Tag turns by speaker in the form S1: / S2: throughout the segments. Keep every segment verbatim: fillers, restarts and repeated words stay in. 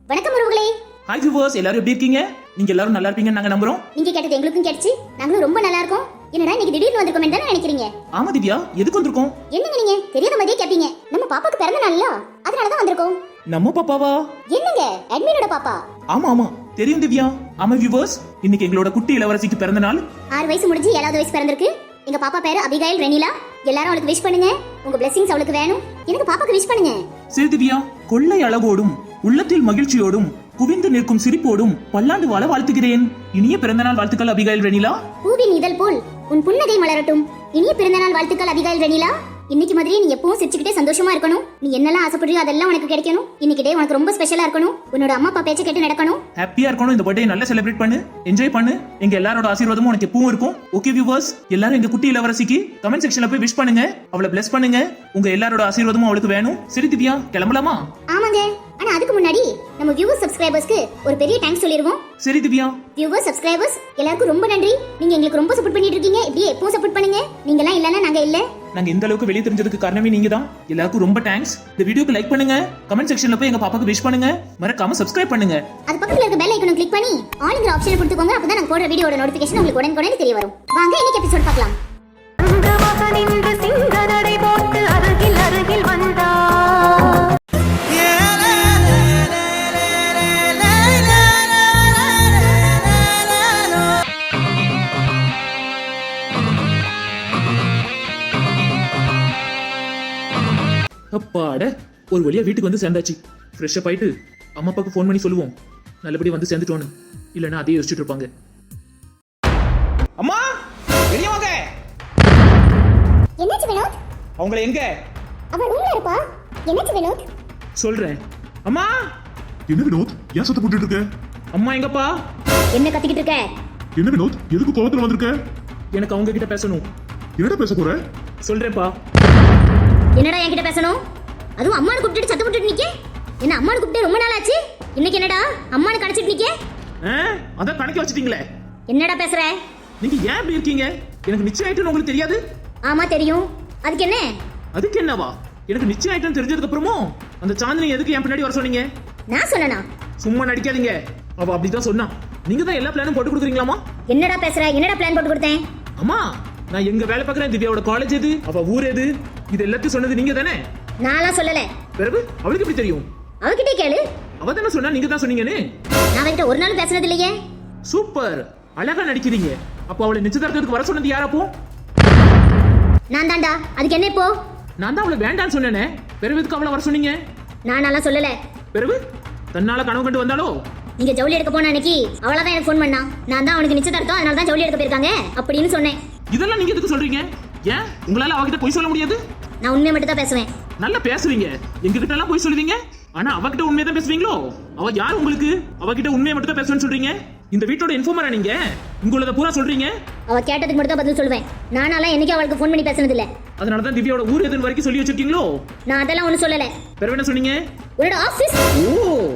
S1: வணக்கம் உறவுகளே.
S2: Hi viewers, எல்லாரும் எப்படி இருக்கீங்க? நீங்க எல்லாரும் நல்லா இருப்பீங்கன்னு நாங்க நம்புறோம்.
S1: நீங்க கேட்டது எங்களுக்கும் கேட்டுச்சு, நாங்களும் ரொம்ப நல்லா இருக்கோம். என்னடா இன்னைக்கு திடீர்னு வந்திருக்கோம் தானே நினைக்கிறீங்க?
S2: ஆமா திவ்யா, எதுக்கு வந்திருக்கோம்?
S1: என்னங்க நீங்க தெரியாத மாதிரியே கேப்பீங்க. நம்ம பாப்பாக்கு பிறந்த நாள்ல, அதனால தான் வந்திருக்கோம்.
S2: நம்ம பாப்பாவா?
S1: என்னங்க அட்மினோட பாப்பா?
S2: ஆமா ஆமா தெரியும் திவ்யா. ஆமா வியூவர்ஸ், இன்னைக்கு எங்களோட குட்டி இளவரசிக்கு பிறந்த நாள்.
S1: ஆறு வயசு முடிஞ்சு ஏழாவது வயசு பிறந்திருக்கு. எங்க பாப்பா பேரு அபிகாயில் ரெனிலா. எல்லாரும் அவளுக்கு விஷ் பண்ணுங்க. உங்க பிளெஸிங்ஸ் அவளுக்கு வேணும். எனக்கு பாப்பாக்கு விஷ் பண்ணுங்க.
S2: சரி திவ்யா, கொள்ளை அழகோடும் உள்ளத்தில் மகிழ்ச்சியோடும் குவிந்து நிற்கும் சிரிப்போடும் பல்லாண்டு வாழ வாழ்த்துகிறேன். இனிய பிறந்தநாள் வாழ்த்துக்கள் அபிகாயில் ரெனிலா.
S1: பூவின் இதழ் போல் உன் புன்னகை மலரட்டும். இனிய பிறந்தநாள் வாழ்த்துக்கள் அபிகாயில் ரெனிலா. இன்னைக்கு மாதிரி நீ எப்பவும் சிரிச்சுக்கிட்டே சந்தோஷமா இருக்கணும். நீ என்னெல்லாம் ஆசைப்படுறியோ அதெல்லாம் உனக்கு கிடைக்கணும். இன்னைக்கு டே உனக்கு ரொம்ப ஸ்பெஷலா இருக்கணும். உன்னோட அம்மா அப்பா பேச்ச கேட்டு நடக்கணும்.
S2: ஹாப்பியா இருக்கணும். இந்த பர்த்டே நல்லா செலிப்ரேட் பண்ணு, என்ஜாய் பண்ணு. எங்க எல்லாரோட ஆசீர்வாதமும் உனக்கு எப்பவும் இருக்கும். ஓகே வியூவர்ஸ், எல்லாரும் எங்க குட்டி இளவரசிக்கு கமெண்ட் செக்ஷன்ல போய் விஷ் பண்ணுங்க. அவளை பிளஸ் பண்ணுங்க. உங்க எல்லாரோட ஆசீர்வாதமும் அவளுக்கு வேணும். சரி திவ்யா, கிளம்பலாமா?
S1: ஆமாங்க. ஆனா அதுக்கு முன்னாடி நம்ம வியூவர்ஸ் சப்ஸ்கிரைபர்ஸ்க்கு ஒரு பெரிய தேங்க்ஸ் சொல்லிடுவோம்.
S2: சரி திவ்யா.
S1: வியூவர்ஸ் சப்ஸ்கிரைபர்ஸ் எல்லாருக்கும் ரொம்ப நன்றி. நீங்க எங்களுக்கு ரொம்ப சப்போர்ட் பண்ணிட்டு இருக்கீங்க. இப்படியே எப்பவும் சப்போர்ட் பண்ணுங்க. நீங்க எல்லாம் இல்லனா நாங்க இல்ல.
S2: நாங்க இந்த அளவுக்கு வெளிய தெரிஞ்சதுக்கு காரணமே நீங்க தான். எல்லாருக்கும் ரொம்ப தேங்க்ஸ். இந்த வீடியோக்கு லைக் பண்ணுங்க, கமெண்ட் செக்ஷன்ல போய் எங்க பாப்பாக்கு விஷ் பண்ணுங்க, மறக்காம சப்ஸ்கிரைப் பண்ணுங்க.
S1: அது பக்கத்துல இருக்க பெல் ஐகானை கிளிக் பண்ணி ஆல்ங்கிற ஆப்ஷனை கொடுத்துக்கோங்க. அப்பதான் நாங்க போடுற வீடியோட நோட்டிபிகேஷன் உங்களுக்கு உடனுக்குடனே தெரிய வரும். வாங்க இன்னைக்கு எபிசோட் பார்க்கலாம்.
S3: அங்கமகனின்று சிங்க நடை போட்டு அருகில் அருகில் வந்தா
S2: அப்பாட, ஒரு வழியா வீட்டுக்கு வந்து சேர்ந்தாச்சு. ஃப்ரெஷ் அப் ஆயிட்டு அம்மா அப்பாக்கு ஃபோன் பண்ணி சொல்லுவோம் நல்லபடியா வந்து சேர்ந்துட்டோன்னு. இல்லைன்னா அதே யோசிச்சுட்டு இருப்பாங்க. அம்மா வெளிய வாங்க.
S1: என்னாச்சு வினோத்?
S2: அவங்கள எங்க?
S1: அவ ரூம்ல இருப்பா. என்னாச்சு வினோத்?
S2: சொல்றேன். அம்மா.
S4: என்ன வினோத், ஏன் சத்தம் போட்டுட்டு இருக்க?
S2: அம்மா எங்கப்பா?
S1: என்ன கத்திக்கிட்டு இருக்க?
S4: என்ன வினோத், எதுக்கு கோவத்துல வந்திருக்க?
S2: எனக்கு அவங்க கிட்ட பேசணும்.
S4: என்னடா பேச போற?
S2: சொல்றேன்ப்பா.
S1: என்னடா என்கிட்ட பேசணும்? அதுவும் அம்மானு கூப்பிட்டு சத்தம் போட்டுட்டு நிக்க. என்ன அம்மானு கூப்பிட்டு ரொம்ப நாள் ஆச்சு. இன்னைக்கு என்னடா அம்மானு கணச்சிட்டு நிக்க?
S2: அதான் கணக்கு வச்சிட்டீங்களே.
S1: என்னடா பேசுற?
S2: நீங்க ஏன் இப்படி இருக்கீங்க? எனக்கு நிச்சயம் ஆயிட்டுன்னு உங்களுக்கு தெரியாது?
S1: ஆமா தெரியும். அதுக்கு என்ன?
S2: அதுக்கு என்னவா? எனக்கு நிச்சயம் ஆயிட்டுன்னு தெரிஞ்சதுக்கு அப்புறமும் அந்த சாந்தினி எதுக்கு என் பின்னாடி வர சொன்னீங்க?
S1: நான் சொன்னனா?
S2: சும்மா நடிக்காதீங்க. அவ அப்படிதான் சொன்னா. நீங்க தான் எல்லா பிளானும் போட்டு கொடுக்குறீங்களாமா?
S1: என்னடா பேசுற? என்னடா பிளான் போட்டு கொடுத்தேன்?
S2: அம்மா, நான் எங்க வேலை பார்க்கறேன், திவ்யாவோட காலேஜ் எது, அவ ஊர் எது, இது எல்லாத்தையும் சொன்னது நீங்க தானே?
S1: நான்லாம் சொல்லல.
S2: பிறகு அவளுக்கு எப்படி தெரியும்?
S1: அவகிட்டே கேளு.
S2: அவ தானே சொன்னா, நீங்க தான் சொன்னீங்கன்னு.
S1: நான் அவகிட்ட ஒரு நாள் பேசுனது இல்லையே.
S2: சூப்பர், அழகா நடிக்கிறீங்க. அப்போ அவளை நிச்சயதார்த்தத்துக்கு வர சொன்னது யார் அப்போ?
S1: நான் தான்டா. அதுக்கு என்ன இப்போ?
S2: நான் தான் அவளை வேண்டான்னு சொன்னேனே. பிறகு எதுக்கு அவளை வர சொன்னீங்க?
S1: நான் நல்லா சொல்லல.
S2: பிறகு தன்னால கனவு கண்டு வந்தாலோ?
S1: நீங்க ஜவுளி எடுக்க போன அன்னைக்கு அவளா தான் எனக்கு ஃபோன் பண்ணா. நான் தான் அவனுக்கு நிச்சயதார்த்தம், அதனால தான் ஜவுளி எடுக்க போயிருக்காங்க அப்படின்னு சொன்னேன்.
S2: இதெல்லாம் நீங்க எதுக்கு சொல்றீங்க? ஏன் உங்களால அவகிட்ட போய் சொல்ல முடியாது?
S1: நான் உண்மையை மட்டும் தான் பேசுவேன்.
S2: நல்லா பேசுவீங்க. எங்க கிட்ட எல்லாம் போய் சொல்லுவீங்க. ஆனா அவகிட்ட உண்மையை தான் பேசுவீங்களோ? அவ யார் உங்களுக்கு? அவகிட்ட உண்மையை மட்டும் தான் பேசுவேன்னு சொல்றீங்க. இந்த வீட்டோட இன்ஃபார்மரா நீங்க? உங்களத பூரா சொல்றீங்க.
S1: அவ கேட்டதுக்கு மட்டும் தான் பதில் சொல்வேன். நானாலாம் என்னைக்கு அவளுக்கு ஃபோன் பண்ணி பேசுனது இல்ல.
S2: அதனால தான் திவ்யாவோட ஊர் எதுன்னு வரைக்கும் சொல்லி வச்சிருக்கீங்களோ?
S1: நான் அதெல்லாம் ஒண்ணும் சொல்லல.
S2: பிறகு என்ன சொன்னீங்க?
S1: உன்னோட ஆபீஸ்.
S2: ஓ,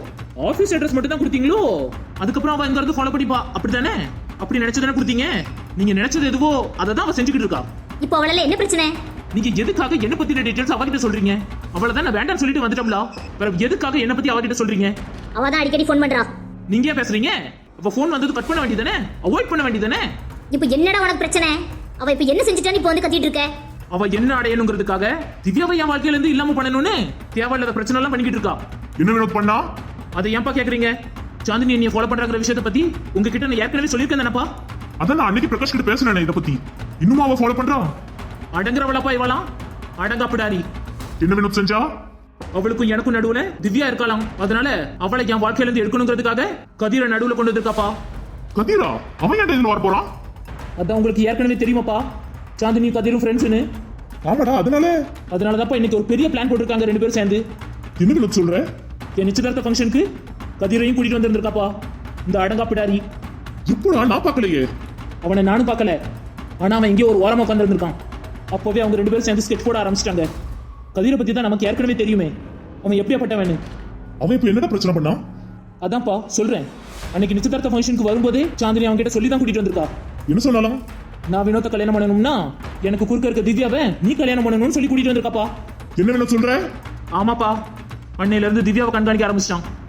S2: ஆபீஸ் அட்ரஸ் மட்டும் தான் கொடுத்தீங்களோ? அதுக்கப்புறம் அவ இங்க இருந்து ஃபாலோ பண்ணிப்பா, அப்படிதானே? அப்படி நினைச்சதானே கொடுத்தீங்க. நீங்க நினைச்சது எதுவோ அதை தான் அவ செஞ்சுக்கிட்டு இருக்கா.
S1: இப்போ அவளால என்ன பிரச்சனை?
S2: நீங்க எதுக்காக என்ன பத்தின டீடைல்ஸ் அவகிட்ட சொல்றீங்க? அவளை தான் நான் வேண்டாம்னு சொல்லிட்டு வந்துட்டோம்ல. பிறகு எதுக்காக என்ன பத்தி அவகிட்ட சொல்றீங்க?
S1: அவ தான் அடிக்கடி ஃபோன் பண்றா.
S2: நீங்க ஏன் பேசுறீங்க? அப்ப ஃபோன் வந்தது கட் பண்ண வேண்டியதானே? அவாய்ட் பண்ண வேண்டியதானே?
S1: இப்போ என்னடா உனக்கு பிரச்சனை? அவ இப்போ என்ன செஞ்சிட்டான்னு இப்போ வந்து கத்திட்டு இருக்க?
S2: அவ என்ன அடையணுங்கிறதுக்காக திவ்யாவை என் வாழ்க்கையில இருந்து இல்லாம பண்ணணும்னு தேவையில்லாத பிரச்சனை எல்லாம் பண்ணிக்கிட்டு இருக்கா.
S4: என்ன வினோத் பண்ணா?
S2: அதை ஏன்பா கேக்குறீங்க? சாந்தினி என்னைய ஃபாலோ பண்றாங்கிற விஷயத்தை பத்தி உங்ககிட்ட நான் ஏற்கனவே சொல்லியிருக்கேன் தானப்பா.
S4: அதான் நான் அன்னைக்கு பிரகாஷ் கிட்ட பேசுனேனே இத பத்தி. இன்னுமா அவ ஃபாலோ பண்றா?
S2: அடங்குறவளப்பா இவளாம். அடங்காப்பிடாரி.
S4: என்ன வினோத் செஞ்சா?
S2: அவளுக்கும் எனக்கும் நடுவுல திவ்யா இருக்கலாம். அதனால அவளை என் வாழ்க்கையில இருந்து எடுக்கணுங்கிறதுக்காக கதிரை நடுவுல கொண்டு வந்திருக்காப்பா.
S4: கதிரா? அவன் ஏன் இதுல வர போறான்?
S2: அதான் உங்களுக்கு ஏற்கனவே தெரியுமாப்பா, சாந்தினி கதிரும் ஃப்ரெண்ட்ஸ்னு.
S4: ஆமாடா, அதனால
S2: அதனாலதான்ப்பா இன்னைக்கு ஒரு பெரிய பிளான் போட்டிருக்காங்க ரெண்டு பேரும் சேர்ந்து.
S4: என்ன வினோத் சொல்ற?
S2: என் நிச்சயதார்த்த ஃபங்க்ஷனுக்கு கதிரையும் கூட்டிட்டு வந்திருந்திருக்காப்பா இந்த அடங்காப்பிடாரி.
S4: எப்படா? நான் பார்க்கலையே.
S2: அவனை நானும் பார்க்கல. ஆனா அவன் எங்கேயோ ஒரு ஓரமா உட்காந்துருக்கான். அப்போவே அவங்க ரெண்டு பேரும் சேர்ந்து ஸ்கெட்ச் போட ஆரம்பிச்சிட்டாங்க. கதிரை பத்தி தான் நமக்கு ஏற்கனவே தெரியுமே, அவன் எப்படியாப்பட்டவன்.
S4: அவன் இப்ப என்னடா பிரச்சனை பண்ணா?
S2: அதான்ப்பா சொல்றேன். அன்னைக்கு நிச்சயதார்த்த ஃபங்க்ஷனுக்கு வரும்போதே சாந்தினி அவங்க கிட்ட சொல்லி தான் கூட்டிட்டு வந்திருக்கா.
S4: என்ன சொன்னாலும்?
S2: நான் வினோத்தை கல்யாணம் பண்ணணும்னா எனக்கு குறுக்க இருக்க திவ்யாவை நீ கல்யாணம் பண்ணணும்னு சொல்லி கூட்டிட்டு வந்திருக்காப்பா.
S4: என்ன வேணும் சொல்ற?
S2: ஆமாப்பா, அன்னையில இருந்து திவ்யாவை கண்காணிக்க ஆரம்பிச்சிட்டான்.